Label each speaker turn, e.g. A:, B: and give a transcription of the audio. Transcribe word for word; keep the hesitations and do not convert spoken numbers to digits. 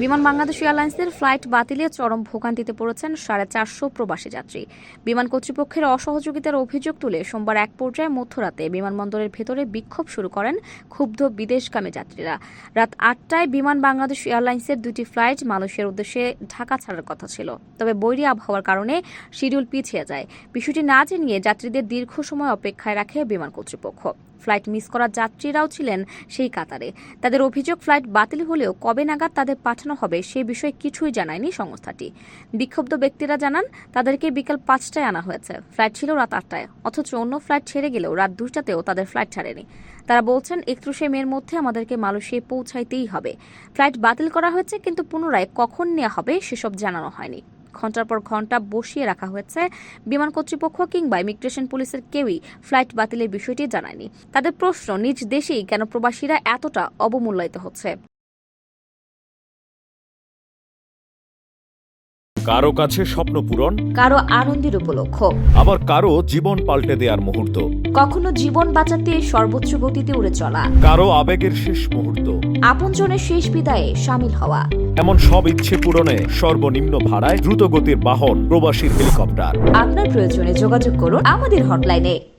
A: বিমান বাংলাদেশ এয়ারলাইন্সের ফ্লাইট বাতিলে চরম ভোগান্তিতে পড়েছেন সাড়ে চারশো প্রবাসী যাত্রী। বিমান কর্তৃপক্ষের অসহযোগিতার অভিযোগ তুলে সোমবার এক পর্যায়ে মধ্যরাতে বিমানবন্দরের ভেতরে বিক্ষোভ শুরু করেন ক্ষুব্ধ বিদেশগামী যাত্রীরা। রাত আটটায় বিমান বাংলাদেশ এয়ারলাইন্সের দুটি ফ্লাইট মালয়েশিয়ার উদ্দেশ্যে ঢাকা ছাড়ার কথা ছিল, তবে বৈরী আবহাওয়ার কারণে শিডিউল পিছিয়ে যায়। বিষয়টি না জানিয়ে যাত্রীদের দীর্ঘ সময় অপেক্ষায় রাখে বিমান কর্তৃপক্ষ। ফ্লাইট মিস করা যাত্রীরাও ছিলেন সেই কাতারে। তাদের অভিযোগ, ফ্লাইট বাতিল হলেও কবে নাগাদ তাদের পাঠানো হবে সে বিষয়ে কিছুই জানায়নি সংস্থাটি। বিক্ষুব্ধ ব্যক্তিরা জানান, তাদেরকে বিকাল পাঁচটায় আনা হয়েছে, ফ্লাইট ছিল রাত আটটায়, অথচ অন্য ফ্লাইট ছেড়ে গেলেও রাত দুইটাতেও তাদের ফ্লাইট ছাড়েনি। তারা বলছেন, একত্রিশে মের মধ্যে আমাদেরকে মালয়েশিয়ায় পৌঁছাইতেই হবে। ফ্লাইট বাতিল করা হয়েছে, কিন্তু পুনরায় কখন নেওয়া হবে সেসব জানানো হয়নি। ঘণ্টার পর ঘণ্টা বসিয়ে রাখা হয়েছে। বিমান কর্তৃপক্ষ কিংবা ইমিগ্রেশন পুলিশের কেউই ফ্লাইট বাতিলের বিষয়টি জানায়নি। তাদের প্রশ্ন, নিজ দেশেই কেন প্রবাসীরা এতটা অবমূল্যায়িত হচ্ছে।
B: কারো কাছে স্বপ্ন পূরণ,
A: কারো আনন্দের উপলক্ষ,
B: আবার কারো জীবন পাল্টে দেওয়ার মুহূর্ত,
A: কখনো জীবন বাঁচাতে সর্বোচ্চ গতিতে উড়ে চলা,
B: কারো আবেগের শেষ মুহূর্ত,
A: আপনজনের শেষ বিদায়ে শামিল হওয়া।
B: এমন সব ইচ্ছে পূরণে সর্বনিম্ন ভাড়ায় দ্রুতগতির বাহন প্রবাসীর হেলিকপ্টার।
A: আপনার প্রয়োজনে যোগাযোগ করুন আমাদের হটলাইনে।